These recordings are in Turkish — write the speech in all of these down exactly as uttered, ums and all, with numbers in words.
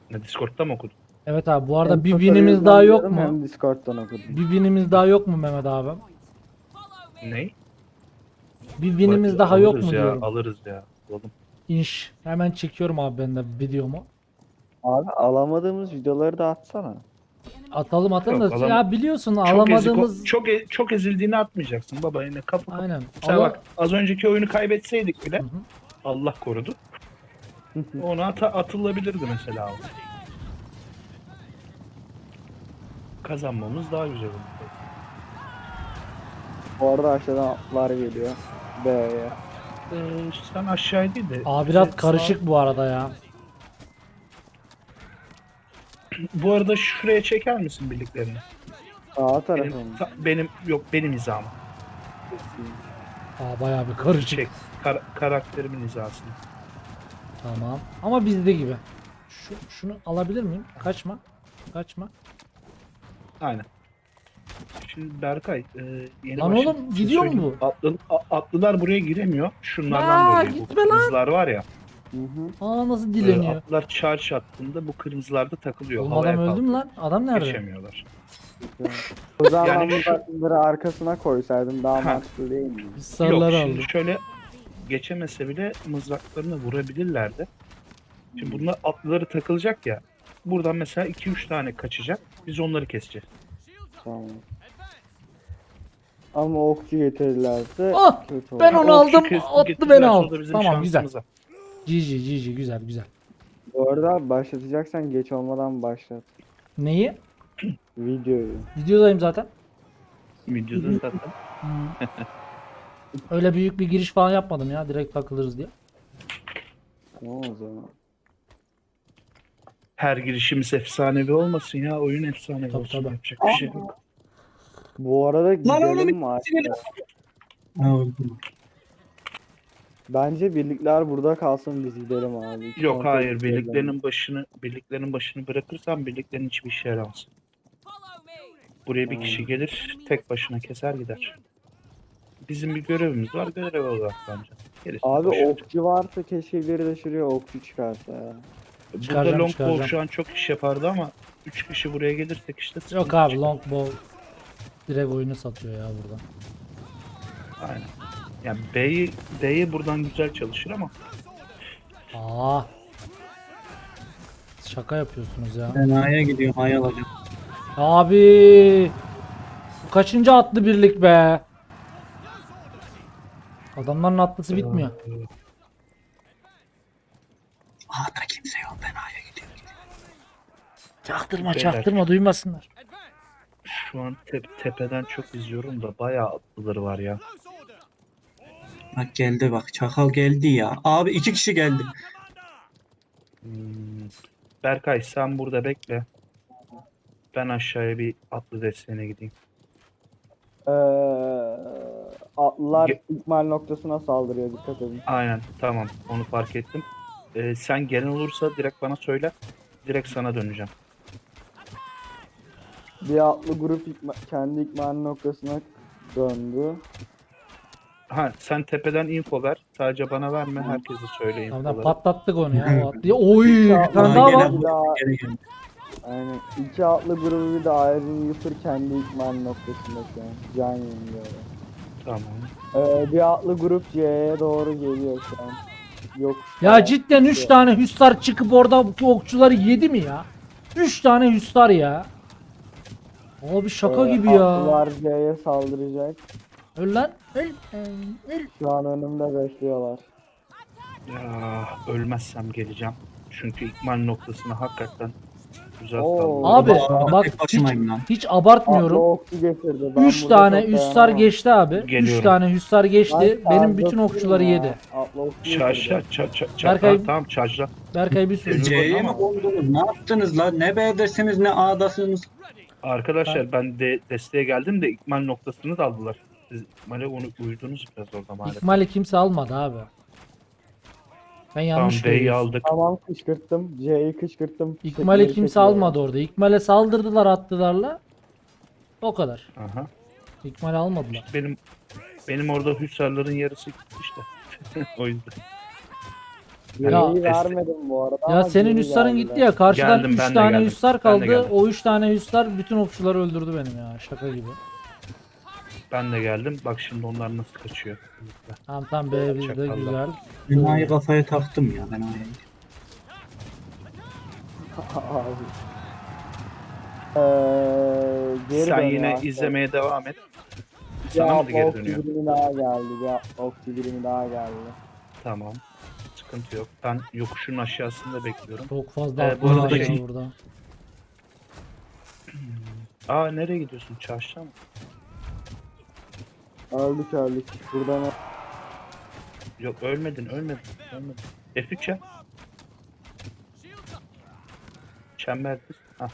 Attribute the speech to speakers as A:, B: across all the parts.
A: Ne, Discord'da mı okudun?
B: Evet abi, bu arada
C: Hem
B: bir
C: Twitter'ı
B: winimiz daha yok
C: yazıyorum,
B: mu?
C: Hem Discord'dan okudum.
B: Bir winimiz daha yok mu Mehmet abi?
A: Ney?
B: Bir winimiz daha yok
A: Alırız
B: mu
A: ya,
B: diyorum.
A: alırız ya. Alalım.
B: İnş. Hemen çekiyorum abi ben de videomu.
C: Abi alamadığımız videoları da atsana.
B: Atalım atalım
A: Yok,
B: da
A: alam-
B: ya biliyorsun
A: Çok ezik,
B: alamadığımız
A: çok e- çok ezildiğini atmayacaksın baba, yine kapı kapı.
B: aynen.
A: Mesela
B: Ala...
A: bak, az önceki oyunu kaybetseydik bile
B: Hı hı.
A: Allah korudu. Ona ata atılabilirdi mesela. o. Kazanmamız daha güzel oldu.
C: Bu arada aşağıdan atlar geliyor. B'ye.
A: Ee, sen aşağı değil de.
B: Abi
A: bize
B: biraz karışık bu arada ya.
A: sağ- Bu arada şuraya çeker misin birliklerini?
C: Sağ tarafa
A: Benim,
C: mı?
A: ta- benim yok benim hizamı.
B: Aa bayağı bir karışık.
A: Çek. Kar- karakterimin hizasını.
B: Tamam. Ama bizde gibi. Şu, şunu alabilir miyim? Kaçma. Kaçma.
A: Aynen. Şimdi Berkay, e, yeni
B: Lan
A: başladı.
B: oğlum,
A: Bir şey
B: gidiyor mu
A: söyleyeyim. Atlı, a- atlılar buraya giremiyor. Şunlardan
B: Aa,
A: dolayı. Bu
B: gitme lan.
A: kırmızılar var ya.
C: Hı hı.
B: Aa nasıl
A: e,
B: dileniyor?
A: atlılar charge attığında bu kırmızılar takılıyor.
B: Oğlum
A: Havaya
B: adam öldü mü
A: kalkıyor.
B: lan? Adam nerede?
A: Geçemiyorlar.
C: O zaman
A: Yani
C: ben
A: şu-
C: bu atları arkasına koysaydım daha
A: Ha.
C: mantıklı değil mi?
B: Biz
A: Yok,
B: sarıları
A: şimdi
B: aldık.
A: şöyle geçemese bile mızraklarını vurabilirlerdi. Şimdi bunlar atlıları takılacak ya. Buradan mesela iki üç tane kaçacak. Biz onları keseceğiz.
C: Tamam. Ama okçu getirirlerse
B: Ah,
C: kötü olur.
B: ben onu
A: Okçu
B: aldım,
A: kes-
B: attı
A: getirirlerse
B: beni
A: o
B: al.
A: da bizim
B: Tamam güzel.
A: şansımıza.
B: G G G G güzel güzel.
C: Bu arada başlatacaksan geç olmadan başlat.
B: Neyi?
C: Videoyu.
B: Videodayım zaten.
A: Videoda zaten.
B: Hmm. Öyle büyük bir giriş falan yapmadım ya, direkt takılırız diye.
C: Tamam o zaman.
A: Her girişimiz efsanevi olmasın ya. Oyun efsanevi
B: Tabii,
A: olsun.
B: tabii.
A: Yapacak bir şey yok.
C: Bu arada gidelim mi?
D: bitirelim.
C: Aşağı? Bence birlikler burada kalsın, biz gidelim abi. İki
A: Yok
C: kontrol
A: hayır,
C: edelim.
A: birliklerin başını birliklerin başını bırakırsan birliklerin hiçbir işe yaramaz. Buraya bir kişi
C: Hmm.
A: gelir, tek başına keser gider. Bizim bir görevimiz var, göreve odaklanacağız. Gerisi
C: Abi
A: boş ver.
C: okçu varsa keşke biri de şuraya okçu çıkarsa ya.
A: Burada
B: Çıkaracağım,
A: longbow
B: çıkaracağım.
A: şu an çok iş yapardı ama üç kişi buraya gelirsek işte
B: Yok
A: sıkıntı
B: abi,
A: çıkar.
B: longbow direkt oyunu satıyor ya burada.
A: Aynen. Yani B'yi B'yi buradan güzel çalışır ama
B: Aa. Şaka yapıyorsunuz ya.
D: Ben A'ya gidiyorum, A'ya alacağım.
B: Abi. Bu kaçıncı atlı birlik be? Adamların atlısı bitmiyor.
D: A'da kimse yok, ben A'ya gidiyorum.
B: Çaktırma
A: Beyler.
B: çaktırma, duymasınlar.
A: şu an tep- tepeden çok izliyorum da bayağı atlıları var ya.
D: Bak geldi bak, çakal geldi ya. Abi iki kişi geldi.
A: Hmm. Berkay sen burada bekle. Ben aşağıya bir atlı desteğine gideyim.
C: Ee, atlılar
A: Ge-
C: ikmal noktasına saldırıyor, dikkat edin.
A: Aynen, tamam, onu fark ettim. Ee, sen gelen olursa direkt bana söyle. Direkt sana döneceğim.
C: Bir atlı grup ikma- kendi ikmal noktasına döndü.
A: Ha, sen tepeden info ver. Sadece bana verme. Herkese söyle
B: Tamam, tamam,
A: infoları.
B: patlattık onu ya. O atlıyı. Oy, bir tane
D: Aa,
B: daha
D: gene
B: var.
D: bu-
C: Bir daha,
D: gene geldi.
C: aynen. İki atlı grubu bir de Iron Reaper kendi ikmal noktasında şu an. Can yeniliyor.
A: Tamam.
C: Ee, bir atlı grup C'ye doğru geliyor şu an. Yok.
B: Ya cidden üç tane hüsar çıkıp orada bu okçuları yedi mi ya? üç tane hüsar ya. Abi şaka gibi ya.
C: Atlılar C'ye saldıracak.
B: Öl lan. Öl. Öl.
C: Şu an önümde bekliyorlar.
A: Ya ölmezsem geleceğim. Çünkü ikmal noktasına hakikaten güzel
C: Oo.
A: saldırdı.
B: Abi
D: Aa,
B: bak
D: tek
B: hiç,
D: başımayım lan.
B: hiç
C: Atlı
B: abartmıyorum.
C: okçu getirdi. Ben
B: üç
C: burada
B: tane
C: çok
B: hüsar
C: dayanamam.
B: geçti abi. üç
A: Geliyorum.
B: tane hüsar geçti.
C: Ben
B: Benim bütün
C: saldırıyorum
B: okçuları
C: ya.
B: yedi.
C: Atlı okçu
A: Çarşla,
C: getirdi.
A: ça, ça, ça,
B: Berkay-
A: ha, tamam çarşla.
B: Berkay bir sürü.
D: C'ye mi kondunuz? Ne yaptınız lan? Ne B'desiniz ne A'dasınız.
A: Arkadaşlar ben de desteğe geldim de ikmal noktasını da aldılar. Siz ikmale onu uydunuz biraz orada maalesef.
B: İkmali kimse almadı abi. Ben
A: Tamam,
B: yanlış
A: B'yi
B: görüyorsun.
A: aldık.
C: Tamam, kışkırttım. C'yi kışkırttım.
B: İkmali
C: Çekleri
B: kimse
C: çekiyor.
B: almadı orada. İkmale saldırdılar attılarla. O kadar.
A: Aha.
B: İkmali almadılar.
A: Benim benim orada hüsarların yarısı gitti işte. O yüzden.
B: Ya-
C: Geriyi vermedim bu arada
B: Ya
C: ama
B: senin
C: geri
B: Hüsar'ın
C: geldiler.
B: gitti ya. Karşıdan
A: Geldim, ben
B: üç
A: de
B: tane
A: geldim.
B: Hüsar
A: Ben de
B: kaldı.
A: geldim.
B: O üç tane Hüsar bütün okçuları öldürdü benim ya. Şaka gibi.
A: Ben de geldim. Bak şimdi onlar nasıl kaçıyor.
B: Tamam tamam be bizde
A: Çakallar.
B: güzel.
D: Binayı kafaya taktım ya ben A'ya.
C: Abi. Ee, geri
A: Sen
C: dön
A: yine
C: ya.
A: izlemeye devam et.
C: Bir
A: Sana mı da geri
C: okçu
A: dönüyor?
C: birimi daha geldi. Bir okçu birimi daha geldi.
A: Tamam. Sıkıntı yok. Ben yokuşun aşağısında bekliyorum.
B: Çok fazla
A: Ee,
B: aklı
A: bu arada
B: var ya
A: şey-
B: burada.
A: Aa nereye gidiyorsun? Çarşıda mı?
C: Öldük öldük. Buradan
A: Yok ölmedin ölmedin. ölmedin. F üç ya. Çember düz. Hah.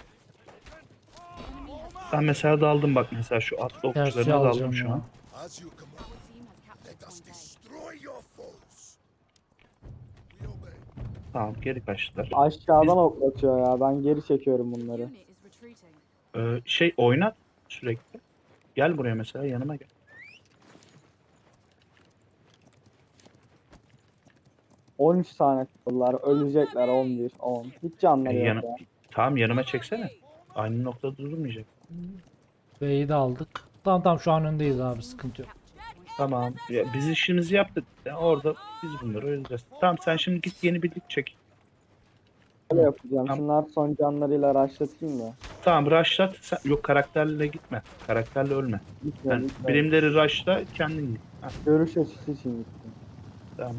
A: Ben mesela daldım bak mesela şu atlı
B: Tersi
A: okçularına daldım
B: alacağım
A: şu
B: ya.
A: an.
E: As you command, let us destroy your foes. We obey.
A: Tamam geri kaçtılar.
C: aşağıdan oklatıyor ya. Ben geri çekiyorum bunları.
F: Unit is retreating.
A: Ee, şey oynat sürekli. Gel buraya mesela yanıma gel.
C: on üç tane kaldılar. Ölecekler on bir, on. Hiç canları
A: Ee,
C: yok
A: yanı-
C: ya.
A: Tamam yanıma çeksene. Aynı noktada durmayacak.
B: B'yi de aldık. Tamam tamam şu an öndeyiz abi sıkıntı yok.
A: Tamam. Ya, biz işimizi yaptık. Ya, orada biz bunları öleceğiz. Tamam sen şimdi git yeni birlik çek.
C: Öyle yapacağım.
A: Tamam.
C: Şunlar son canlarıyla raşlatayım da.
A: Tamam rushlat. Sen, yok karakterle gitme. Karakterle ölme.
C: Gitme,
A: Yani
C: gitme.
A: birimleri rushla kendin git. Ha,
C: Görüş açısı için gittim.
A: tamam.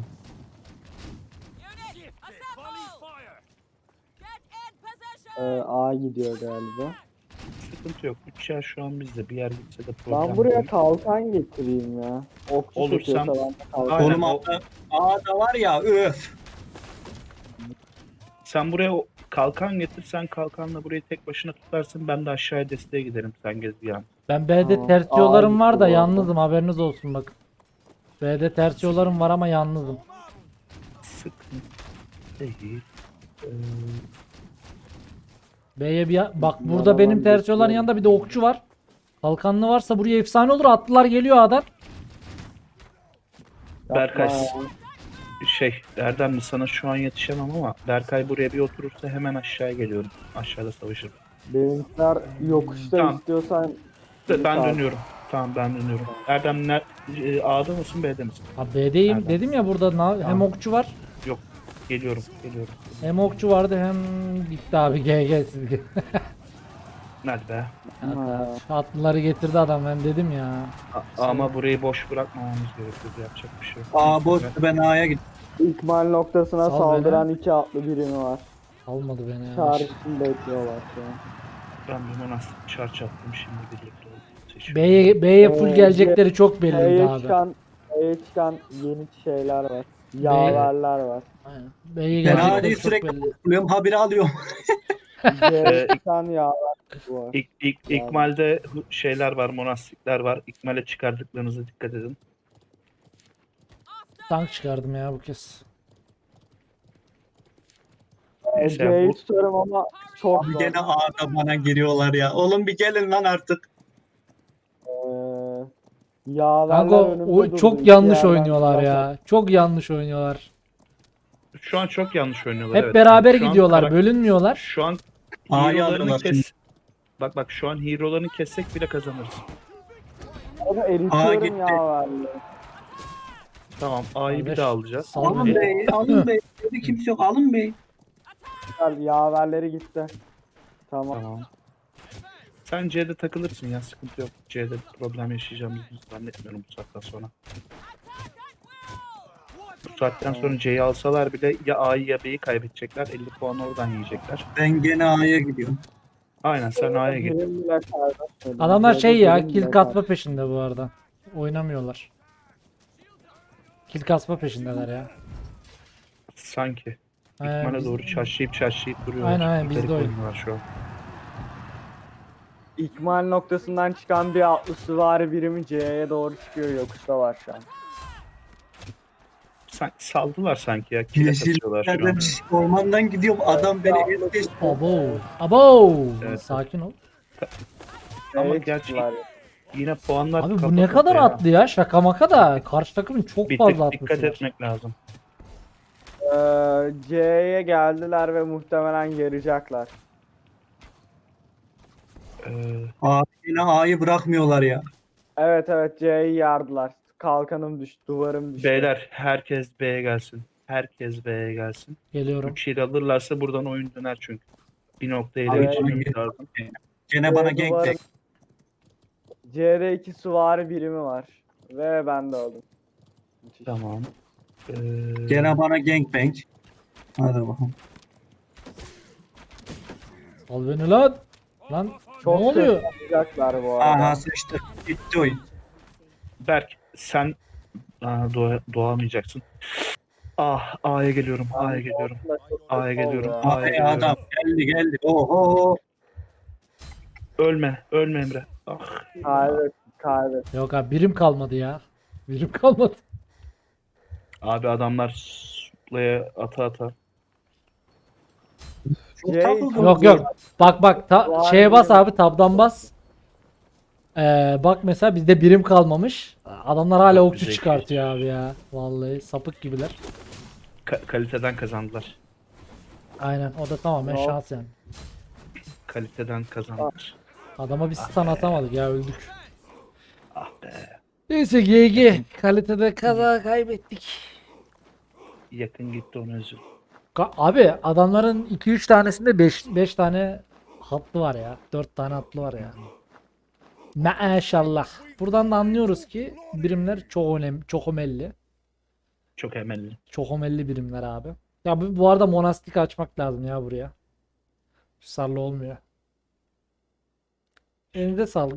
C: Ee, A gidiyor galiba.
A: Sıkıntı yok. Üç yer şu an bizde. Bir yer gitse de problem
C: Ben buraya
A: değil.
C: kalkan getireyim ya. Okçu
A: Olursam-
C: çekiyorsa ben de kalkan.
A: Aynen,
D: Oğlum
A: o-
D: A'da, A'da var ya öf.
A: Sen buraya o kalkan getir. Sen kalkanla burayı tek başına tutarsın. Ben de aşağıya desteğe giderim. Sen gez bir an.
B: Ben B'de
C: Tamam.
B: ters
C: Aa,
B: yollarım var da
C: gitti bu arada.
B: yalnızım haberiniz olsun bakın. B'de ters yollarım var ama yalnızım.
A: Sıkıntı değil. Ee,
B: B'ye bir bak burada
C: Yalan
B: benim ters
C: geçiyor.
B: yolların yanında bir de okçu var. Kalkanlı varsa buraya efsane olur. Atlılar geliyor A'dan.
A: Berkay
C: Yapma ya.
A: şey Erdem sana şu an yetişemem ama Berkay buraya bir oturursa hemen aşağıya geliyorum. Aşağıda savaşırım.
C: Benimkiler yokuşta
A: Tamam.
C: istiyorsan
A: Ben
C: Sağ ol.
A: dönüyorum. Tamam ben dönüyorum. Erdem ner e, A'da mısın B'de misin?
B: Ha B'deyim.
A: Nereden?
B: Dedim ya burada na- hem
A: Tamam.
B: okçu var.
A: Geliyorum. Geliyorum.
B: Hem okçu vardı hem gitti abi G G siz.
A: Nerede be?
C: Ha.
B: Atlıları getirdi adam ben dedim ya.
A: A- ama burayı boş bırakmamamız gerekiyor. Yapacak bir şey yok.
D: A boş ben A'ya gittim.
C: İkmal noktasına
B: Sal
C: saldıran iki atlı birimi var.
B: Almadı beni ya.
C: Çağrı için bekliyorlar şu an.
A: Ben bir monastik çarç attım şimdi birlikte oldu.
B: B'ye B'ye full
C: Ee,
B: gelecekleri çok belliydi
C: E'ye
B: abi.
C: çıkan, E'ye çıkan yeni şeyler var. Yaverler var.
B: Aynen. B'ye
D: Ben
B: gelecekleri
D: A'yı
B: çok
D: sürekli
B: belli.
D: buluyorum haberi alıyorum.
C: C'ye
A: Ee,
C: çıkan yaver var.
A: İlk, ilk, İkmal'de hu- şeyler var, monastikler var. İkmal'e çıkardıklarınıza dikkat edin.
B: Tank çıkardım ya bu kez.
A: Neyse,
C: C'yi
A: bu-
C: tutarım ama çok
D: Abi
C: zor.
D: gene A'da bana giriyorlar ya. Oğlum bir gelin lan artık.
C: Ee, yaverler
B: Kanka
C: önümde
B: o
C: durdu.
B: çok
C: İki
B: yanlış
C: yerden
B: oynuyorlar
C: zaten.
B: ya. Çok yanlış oynuyorlar.
A: Şu an çok yanlış oynuyorlar.
B: Hep
A: evet.
B: beraber
A: Şu an
B: gidiyorlar,
A: karak-
B: bölünmüyorlar.
A: Şu an
D: A'yı
A: hero'larını
D: alıyorlar
A: kes.
D: şimdi.
A: Bak bak şu an hero'larını kessek bile kazanırız.
C: Onu
D: Aa,
C: eritiyorum
D: gitti.
C: yaverleri.
A: Tamam A'yı bir
B: Kardeş,
A: daha alacağız.
B: sal
D: Alın
B: beni.
D: bey, alın bey. Dedi kimse yok, alın bey.
C: Güzel, yaverleri gitti. Tamam.
A: Tamam. Sen C'de takılırsın ya sıkıntı yok. C'de problem yaşayacağımızı zannetmiyorum bu saatten sonra. Bu saatten sonra C'yi alsalar bile ya A'yı ya B'yi kaybedecekler. elli puan oradan yiyecekler.
D: Ben gene A'ya gidiyorum.
A: Aynen sen A'ya git.
C: Birim bile kaybetmedim.
B: Adamlar
C: C'de
B: şey ya
C: birim
B: kill
C: bile
B: katma peşinde bu arada. Oynamıyorlar. Kill kasma peşindeler ya.
A: Sanki.
B: Aynen,
A: İkmal'e
B: biz-
A: doğru çarşıyıp çarşıyıp duruyorlar.
B: Aynen, aynen, biz
A: Garip
B: de öyle.
A: oynuyorlar şu an.
C: İkmal noktasından çıkan bir atlı süvari birimi C'ye doğru çıkıyor, yokuşta var şu an.
A: San- saldılar sanki ya. Kile kasıyorlar şu an.
D: Yeşillerden ormandan gidiyorum. Adam beni es geçti.
B: Abo. Abo.
A: Evet.
B: Sakin ol.
A: Ama
C: C'ye
A: gerçi
C: çıktılar.
A: yine puanlar
B: Abi
A: kafa
B: bu ne kadar
A: kafaya.
B: atlı ya şaka maka da karşı takımın çok
A: Bir
B: fazla
A: tık
B: atlısı
A: dikkat
B: var.
A: etmek lazım.
C: Ee, Ee, C'ye geldiler ve muhtemelen yarayacaklar.
A: Ee,
D: Abi yine A'yı bırakmıyorlar ya.
C: Evet evet C'yi yardılar. Kalkanım düştü, duvarım düştü.
A: beyler herkes B'ye gelsin. Herkes B'ye gelsin.
B: Geliyorum.
A: üç yıl alırlarsa buradan oyun döner çünkü. Bir noktaya ele
D: Abi,
A: geçirmemiz
D: abi.
A: lazım.
D: Gene bana
C: Ee,
D: gank
C: duvarın-
D: back.
C: C'de iki süvari birimi var. Ve ben de aldım. Müthiş.
A: Tamam. Ee,
D: Gene bana gangbang. Hadi bakalım.
B: Al beni lan. Lan
C: Çok
B: ne oluyor?
C: kötü yapacaklar bu arada.
D: Aha sıçtı. Bitti oyun.
A: Berk sen Aa, doğa, doğamayacaksın. Ah A'ya geliyorum. A'ya geliyorum.
C: Aslında çok kötü
A: A'ya geliyorum.
C: oldu ya.
A: A'ya
D: Abi
A: geliyorum.
D: adam geldi geldi. Oho.
A: Ölme. Ölme Emre. Ah.
C: Kaybet, kaybet.
B: Yok abi birim kalmadı ya. Birim kalmadı.
A: Abi adamlar suplaya ata ata.
D: Çok
C: C
D: takıldı.
C: iki-
B: Yok yok. Bak bak ta,
C: Var
B: şeye bas
C: birim.
B: abi tabdan bas. Ee, bak mesela bizde birim kalmamış. Adamlar hala
A: Çok
B: okçu
A: güzel.
B: çıkartıyor abi ya. Vallahi sapık gibiler.
A: Ka- kaliteden kazandılar.
B: Aynen o da tamamen
C: Yok.
B: şans yani.
A: Kaliteden kazandılar.
B: Adama bir stun atamadık ya öldük.
A: Ah be.
B: Neyse G G. Kalitede kaza kaybettik.
A: Yakın gitti onu özür.
B: Ka- Abi adamların iki üç tanesinde beş beş tane hatlı var ya. dört tane hatlı var ya. Maşallah. Buradan da anlıyoruz ki birimler çok önemli, çok ömelli.
A: Çok emelli.
B: Çok ömelli birimler abi. Ya bu, bu arada monastik açmak lazım ya buraya. Sarlı olmuyor. Elinize sağlık.